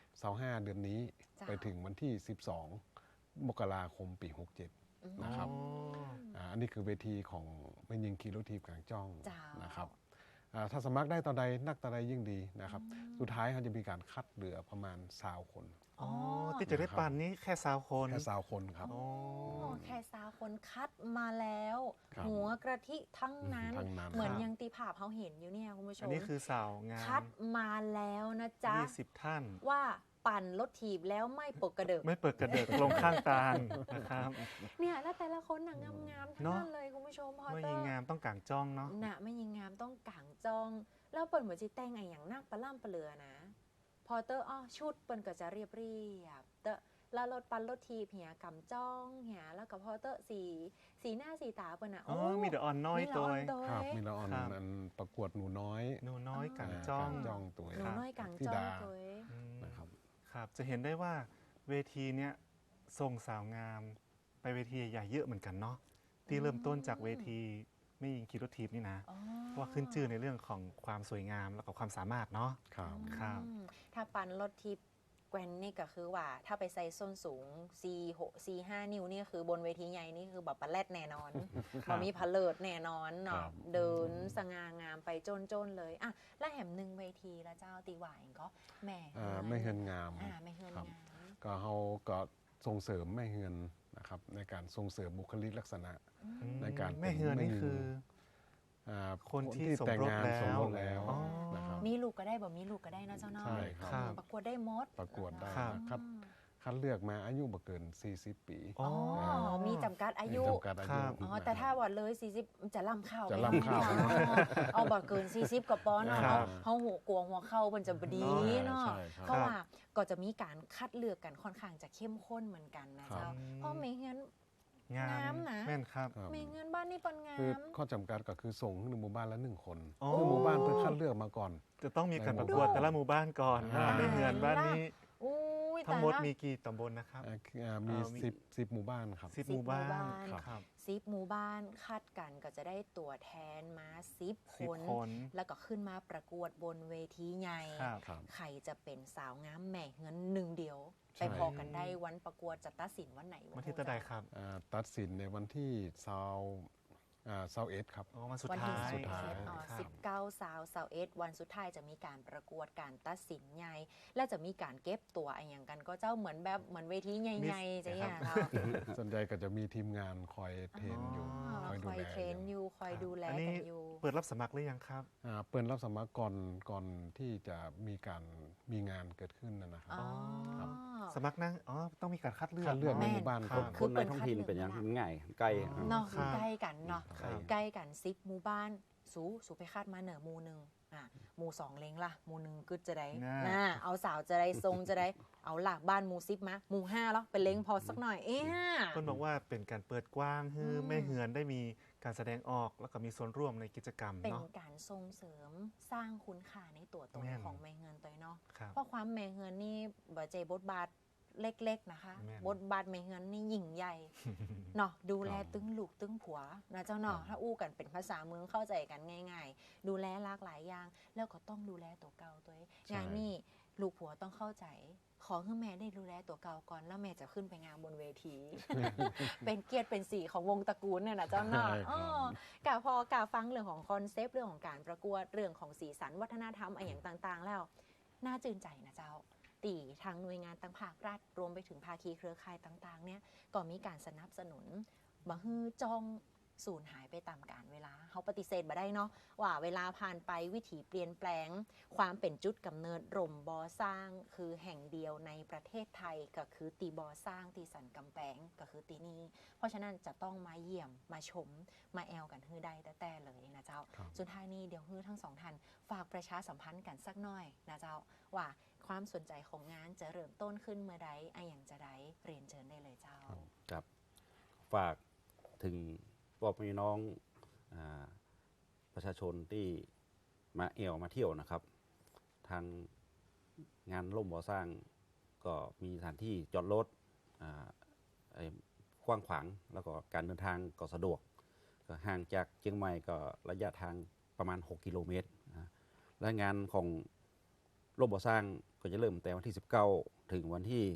[SPEAKER 5] 25เดือนนี้
[SPEAKER 3] จ้ะ
[SPEAKER 5] ไปถึงวันที่ 12 มกราคมปี 67 นะครับ อันนี้คือเวทีของไม่ยิงขี่รถทีบกลางจ้อง
[SPEAKER 3] จ้าน
[SPEAKER 5] นะครับถ้าสมัครได้ตอนใดนักตอนใดยิ่งดีนะครับ สุดท้ายเขาจะมีการคัดเหลือประมาณ20 คน
[SPEAKER 2] อ๋อ ที่จะได้ปั่นนี้แค่20 คน
[SPEAKER 5] แค่20 คนครับ
[SPEAKER 2] อ๋อ
[SPEAKER 3] แค่สาวคนคัดมาแล้ว
[SPEAKER 5] ครับ
[SPEAKER 3] หัวกระทิทั้งนั้น
[SPEAKER 5] ทั้งนั้น
[SPEAKER 3] เหมือน
[SPEAKER 2] ครับ
[SPEAKER 3] ยังตีภาพเขาเห็นอยู่เนี่ยคุณผู้ช
[SPEAKER 2] อัน
[SPEAKER 3] ม
[SPEAKER 2] นี้คือสาวงาน
[SPEAKER 3] คัดมาแล้วนะจ๊ะ
[SPEAKER 2] 20 ท่าน
[SPEAKER 3] ว่าปั่นรถถีบแล้วไม่ปกกระเดิก
[SPEAKER 2] ไม่เปิดกระเดิกลงข้างตาลนะครับ
[SPEAKER 3] เนี่ยแล้วแต่ละคนหนังงามๆทั้ง
[SPEAKER 2] เนอะ
[SPEAKER 3] นั้นเลยคุณผู้ชมพอ
[SPEAKER 2] ไม่
[SPEAKER 3] เตอ
[SPEAKER 2] ยิง
[SPEAKER 3] ร์
[SPEAKER 2] งามต้องกางจ้องเนาะ
[SPEAKER 3] น่ะไม่ยิงงามต้องกางจอง แล้วเปิดเหมือนจีแต่งไงอย่างนักปลาล่ำปลาเลือนะ พอเตอร์ชุดเปิ่นก็จะเรียบเตอร์แล้วรถปั่นรถทีบเหียกำจ้องเหียแล้วก็พอเตอร์สีหน้าสีตาเปิ่นอ่ะ
[SPEAKER 2] อ๋อ มีแต่อ่อนน้อย
[SPEAKER 3] มีละ
[SPEAKER 2] ตัว
[SPEAKER 3] อ่อนตัว
[SPEAKER 5] ครับมีละออน
[SPEAKER 2] ครับ
[SPEAKER 5] อันประกวดหนูน้อย
[SPEAKER 2] หนูน้อยกางจ้อง
[SPEAKER 5] กางจ้องตัว
[SPEAKER 3] หนูน้อยกาง
[SPEAKER 5] ธิ
[SPEAKER 3] จ้อง
[SPEAKER 5] ดา
[SPEAKER 3] ตัวเอง
[SPEAKER 2] อืม
[SPEAKER 5] นะครับ
[SPEAKER 2] ครับ จะเห็นได้ว่าเวทีเนี้ยส่งสาวงาม ไปเวทีใหญ่ๆเยอะเหมือนกันเนาะ ที่เริ่มต้นจากเวทีไม่ยิงคีโรทีปนี่นะ
[SPEAKER 3] อ๋อ
[SPEAKER 2] เพราะว่าขึ้นชื่อในเรื่องของความสวยงามแล้วก็ความสามารถเนาะ
[SPEAKER 5] ครับ
[SPEAKER 2] ครับ
[SPEAKER 3] ถ้าปั่นรถทิปแกวนนี่ก็คือว่าถ้าไปใส่ส้นสูง 4-5 นิ้วนี่คือบนเวทีใหญ่นี่คือแบบปลาแรดแน่นอน
[SPEAKER 2] ครับ
[SPEAKER 3] มีพะเลิดแน่นอน
[SPEAKER 5] ครั
[SPEAKER 3] เนาะ
[SPEAKER 5] บ
[SPEAKER 3] เดินสง่างามไปจนเลยอ่ะและแหมหนึ่งเวทีละเจ้าตีหวายก็แหม่
[SPEAKER 5] ไม่เฮือนงาม
[SPEAKER 3] ไม่เฮือน
[SPEAKER 5] ครับ
[SPEAKER 3] งาม
[SPEAKER 5] ก็เขาก็ส่งเสริมไม่เฮือนนะครับในการส่งเสริมบุคลิกลักษณะ ในการ
[SPEAKER 2] แม่เฮือนนี่
[SPEAKER 5] เป็น
[SPEAKER 2] คือ
[SPEAKER 5] อ่า
[SPEAKER 2] คนที่
[SPEAKER 5] แต่งงาน
[SPEAKER 2] ส
[SPEAKER 5] ส
[SPEAKER 2] ม
[SPEAKER 5] ม
[SPEAKER 2] ร
[SPEAKER 5] ร
[SPEAKER 2] ส
[SPEAKER 5] ส
[SPEAKER 2] แล้
[SPEAKER 5] แล้ว ว
[SPEAKER 2] อ๋อ
[SPEAKER 5] นะครับ
[SPEAKER 3] มีลูกก็ได้บ่มีลูกก็ได้นะเจ้าเนาะ
[SPEAKER 5] ใช่ครับ
[SPEAKER 2] ครับ
[SPEAKER 3] ประกวดได้หมด
[SPEAKER 5] ประกวดได้
[SPEAKER 2] ครับ
[SPEAKER 5] คัดเลือกมาอายุบ่เกิน 40 ปี
[SPEAKER 2] อ๋อ
[SPEAKER 3] มีจำกัดอายุ
[SPEAKER 5] จำกัดอายุ
[SPEAKER 2] ครับ
[SPEAKER 3] แต่ถ้าว่าเลย40จะล่ำเข้า
[SPEAKER 5] จะล่ำเข้า
[SPEAKER 3] เอาบ่เกิน40กับปอนด์
[SPEAKER 2] ครั
[SPEAKER 3] เนาะ
[SPEAKER 2] บ
[SPEAKER 3] เฮาหัวกลัวหัวเข้ามันจะบดีเนาะ
[SPEAKER 5] ใช่ครับ
[SPEAKER 3] เพราะว่าก็จะมีการคัดเลือกกันค่อนข้างจะเข้มข้นเหมือนกันนะ
[SPEAKER 5] ครั
[SPEAKER 3] เจ้า
[SPEAKER 5] บ
[SPEAKER 3] เพราะไม่งั้น
[SPEAKER 2] งาง
[SPEAKER 3] าม มนะ
[SPEAKER 2] แม่นครับ
[SPEAKER 5] ครับ
[SPEAKER 3] ไม่งั้นบ้านนี่เปันงา
[SPEAKER 5] คือ
[SPEAKER 3] ม
[SPEAKER 5] ข้อจำกัดก็คือส่งให้หมู่บ้านละ1 คน
[SPEAKER 2] อ๋อ
[SPEAKER 5] คือหมู่บ้านเพื่อคัดเลือกมาก่อน
[SPEAKER 2] จะต้องมีการประกวด
[SPEAKER 5] ในหมู่
[SPEAKER 2] แต่ละหมู่บ้านก่อน
[SPEAKER 5] อ่า
[SPEAKER 2] ไม่เฮือนบ้านนี้
[SPEAKER 3] อุ้ย
[SPEAKER 2] ทั้งหมด
[SPEAKER 3] แต่ละ
[SPEAKER 2] มีกี่ตำบลนะครับ
[SPEAKER 5] มี
[SPEAKER 2] มี
[SPEAKER 5] 10หมู่บ้านครับ
[SPEAKER 2] 10
[SPEAKER 3] 10
[SPEAKER 2] หมู่บ้าน
[SPEAKER 3] หมู่บ้าน
[SPEAKER 2] ครับ
[SPEAKER 3] 10 หมู่บ้านคัดกันก็จะได้ตัวแทนมา10 ค
[SPEAKER 2] 10
[SPEAKER 3] น
[SPEAKER 2] คน
[SPEAKER 3] แล้วก็ขึ้นมาประกวดบนเวทีใหญ่
[SPEAKER 2] ครับ
[SPEAKER 5] ครับ
[SPEAKER 3] ใครจะเป็นสาวงามแหม่เงินหนึ่งเดียว
[SPEAKER 5] ใช่
[SPEAKER 3] ไปพอกันได้วันประกวดจะตัดสินวันไหน
[SPEAKER 2] วันที่ตะไดครับ
[SPEAKER 5] ตัดสินในวันที่21ครับ
[SPEAKER 2] อ๋อวันสุด
[SPEAKER 3] วัน
[SPEAKER 2] ท้า
[SPEAKER 3] ที่
[SPEAKER 2] ย
[SPEAKER 5] สุดท้าย
[SPEAKER 3] 19 19 วันสุดท้ายจะมีการประกวดการตัดสินใหญ่และจะมีการเก็บตัวอะไรอย่างกันก็เจ้าเหมือนแบบเหมือนเวทีใหญ่ๆจะอย่างเรา
[SPEAKER 5] ส่วนใหญ่ก็จะมีทีมงานคอยเทรนอยู่คอย
[SPEAKER 3] ค
[SPEAKER 5] ดู
[SPEAKER 3] อย
[SPEAKER 5] แล
[SPEAKER 3] เทรนอยู่คอยดูแล
[SPEAKER 2] อัน
[SPEAKER 3] กั
[SPEAKER 2] นี้
[SPEAKER 3] นอยู่
[SPEAKER 2] เปิดรับสมัครหรือยังครับ
[SPEAKER 5] เปิดรับสมัครก่อนที่จะมีงานเกิดขึ้นนะครับ
[SPEAKER 3] อ๋อ
[SPEAKER 5] ครับ
[SPEAKER 2] สมัครนั่งอ๋อ ต้องมีการคัดเลือก
[SPEAKER 5] คัดเลือกใน
[SPEAKER 3] แม่
[SPEAKER 5] หมู่บ้าน
[SPEAKER 2] ครับ
[SPEAKER 4] คนในท้องถิ่นเป็นอย่างง่ายใกล้
[SPEAKER 3] เนาะ
[SPEAKER 2] ครับ
[SPEAKER 3] ใกล้กันเนาะ
[SPEAKER 4] ครับ
[SPEAKER 3] ใกล้กัน10 หมู่บ้านสูไปคาดมาเหนือหมู่หนึ่งหมู่2เล้งล่ะหมู่1กึดจะได้
[SPEAKER 2] น่า
[SPEAKER 3] เอาสาวจะได้ทรงจะได้เอาหลักบ้านหมู่10มาหมู่5แล้วเป็นเล้งพอสักหน่อย
[SPEAKER 2] เพิ่นบอกว่าเป็นการเปิดกว้างให้แม่เฮือนได้มีการแสดงออกแล้วก็มีส่วนร่วมในกิจกรรม
[SPEAKER 3] เป็น
[SPEAKER 2] เนาะ
[SPEAKER 3] การส่งเสริมสร้างคุณค่าในตัวตน
[SPEAKER 2] แม่น
[SPEAKER 3] ของแม่เงินตัวเนาะ
[SPEAKER 2] ครับ
[SPEAKER 3] เพราะความแม่เงินนี่บ่ใจบทบาทเล็กๆนะคะ
[SPEAKER 2] แม่น
[SPEAKER 3] บทบาทแม่เงินนี่ยิ่งใหญ่ เนาะดูแลตึงลูกตึงผัวนะเจ้าเนาะถ้าอู้กันเป็นภาษาเมืองเข้าใจกันง่ายๆ ดูแลหลากหลายอย่าง แล้วก็ต้องดูแลตัวเก่าตัวเองงานนี่ลูกผัวต้องเข้าใจ ขอให้แม่ได้ดูแลตัวเก่าก่อนแล้วแม่จะขึ้นไปงานบนเวที เป็นเกียรติเป็นสีของวงตระกูลเนี่ยนะเจ้าเนาะ
[SPEAKER 5] ใช่ครับ
[SPEAKER 3] กะพอกะฟังเรื่องของคอนเซปต์เรื่องของการประกวดเรื่องของสีสันวัฒนธรรมอะไรอย่างต่างๆ แล้วน่าจื่นใจนะเจ้าตีทางหน่วยงานต่างภาครัฐรวมไปถึงภาคีเครือข่ายต่างๆเนี่ยก็มีการสนับสนุนบ่ฮื้อจ้องสูญหายไปตามกาลเวลาเขาปฏิเสธบ่ได้เนาะว่าเวลาผ่านไปวิถีเปลี่ยนแปลง ความเป็นจุดกำเนิดร่มบอสร้างคือแห่งเดียวในประเทศไทยก็คือตีบอสร้างตีสันกำแพงก็คือตีนี้เพราะฉะนั้นจะต้องมาเยี่ยมมาชมมาแอลกันฮื้อได้แต่เลยนะเจ้า
[SPEAKER 5] ครับ
[SPEAKER 3] สุดท้ายนี้เดี๋ยวฮื้อทั้งสองท่านฝากประชาสัมพันธ์กันสักหน่อยนะเจ้าว่าความสนใจของงานจะเริ่มต้นขึ้นเมื่อใดไออย่างจะได้เรียนเชิญได้เลยเจ้า
[SPEAKER 4] ครับฝากถึงพวกพี่น้องอาประชาชนที่มาเอวมาเที่ยวนะครับ ทางงานร่มบ่อสร้างก็มีสถานที่จอดรถกว้างขวางแล้วก็การเดินทางก็สะดวกก็ห่างจากเชียงใหม่ก็ระยะทางประมาณ 6 กิโลเมตรนะและงานของร่มบ่อสร้างก็จะเริ่มแต่วันที่ 19 ถึงวันที่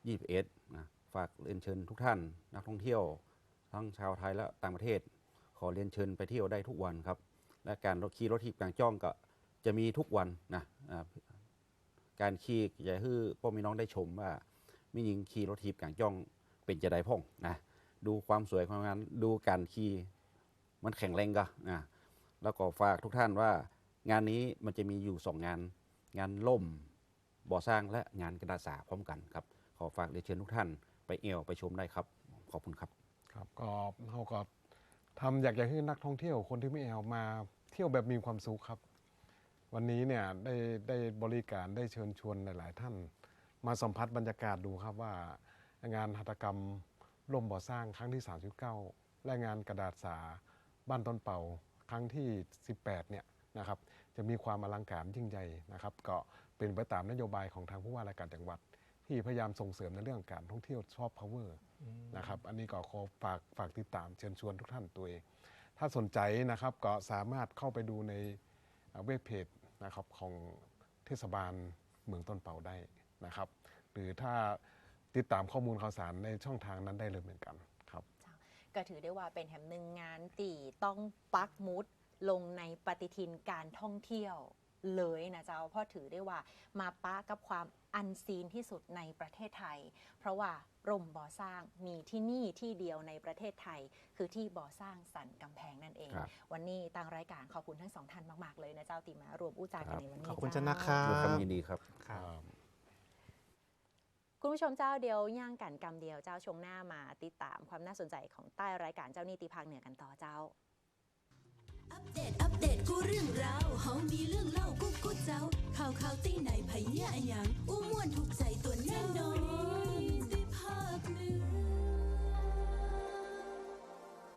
[SPEAKER 4] 21 นะฝากเรียนเชิญทุกท่านนักท่องเที่ยวทั้งชาวไทยและต่างประเทศ ขอเรียนเชิญไปเที่ยวได้ทุกวันครับ และการขี่รถถีบกลางจ้องก็จะมีทุกวันนะการขี่จะให้พ่อแม่น้องได้ชมว่ามีหญิงขี่รถถีบกลางจ้องเป็นจะได้พ่องนะดูความสวยของงานดูการขี่มันแข็งแรงก็นะแล้วก็ฝากทุกท่านว่างานนี้มันจะมีอยู่2 งานล่มบ่อสร้างและงานกระดาษสาพร้อมกันครับขอฝากเรียนเชิญทุกท่านไปเอวไปชมได้ครับขอบคุณครับ
[SPEAKER 5] ครับก็เราก็ทำอยากให้นักท่องเที่ยวคนที่ไม่แอลมาเที่ยวแบบมีความสุขครับ วันนี้เนี่ยได้บริการได้เชิญชวนหลาย ๆ ท่านมาสัมผัสบรรยากาศดูครับว่างานหัตถกรรมร่มบ่อสร้างครั้งที่ 39 และงานกระดาษสาบ้านต้นเป่าครั้งที่ 18 เนี่ยนะครับจะมีความอลังการยิ่งใหญ่นะครับก็เป็นไปตามนโยบายของทางผู้ว่าราชการจังหวัด ที่พยายามส่งเสริมในเรื่องการท่องเที่ยวซอฟต์พาวเวอร์นะครับอันนี้ก็ขอฝากติดตามเชิญชวนทุกท่านตัวเอง ถ้าสนใจนะครับก็สามารถเข้าไปดูในเว็บเพจนะครับของเทศบาลเมืองต้นเป่าได้นะครับ หรือถ้าติดตามข้อมูลข่าวสารในช่องทางนั้นได้เลยเหมือนกันครับ
[SPEAKER 3] ก็ถือได้ว่าเป็นแห่งหนึ่งงานตีต้องปักหมุดลงในปฏิทินการท่องเที่ยวเลยนะเจ้าเพราะถือได้ว่ามาปะกับความอันซีนที่สุดในประเทศไทย เพราะว่าร่มบ่อสร้างมีที่นี่ที่เดียวในประเทศไทย คือที่บ่อสร้างสันกำแพงนั่นเอง
[SPEAKER 4] ครับ
[SPEAKER 3] วันนี้ทางรายการขอบคุณทั้งสองท่านมากๆเลยนะเจ้าตีมารวมอู้จากันในวันนี้
[SPEAKER 2] ขอบคุณ
[SPEAKER 3] เจ้า
[SPEAKER 2] เจ้านะคะ
[SPEAKER 4] ด้วยความยินดีครับ
[SPEAKER 2] ครับ
[SPEAKER 3] คุณผู้ชมเจ้าเดียวย่างกันกำเดียวเจ้าชวงหน้ามาติดตามความน่าสนใจของใต้รายการเจ้านี่ตีภาคเหนือกันต่อเจ้า
[SPEAKER 1] อัปเดตกูเรื่องราวเฮามีเรื่องเล่ากูเจ้า ข่าวตีไหนไผเหี้ยอะหยังอู้ม่วนถูกใจ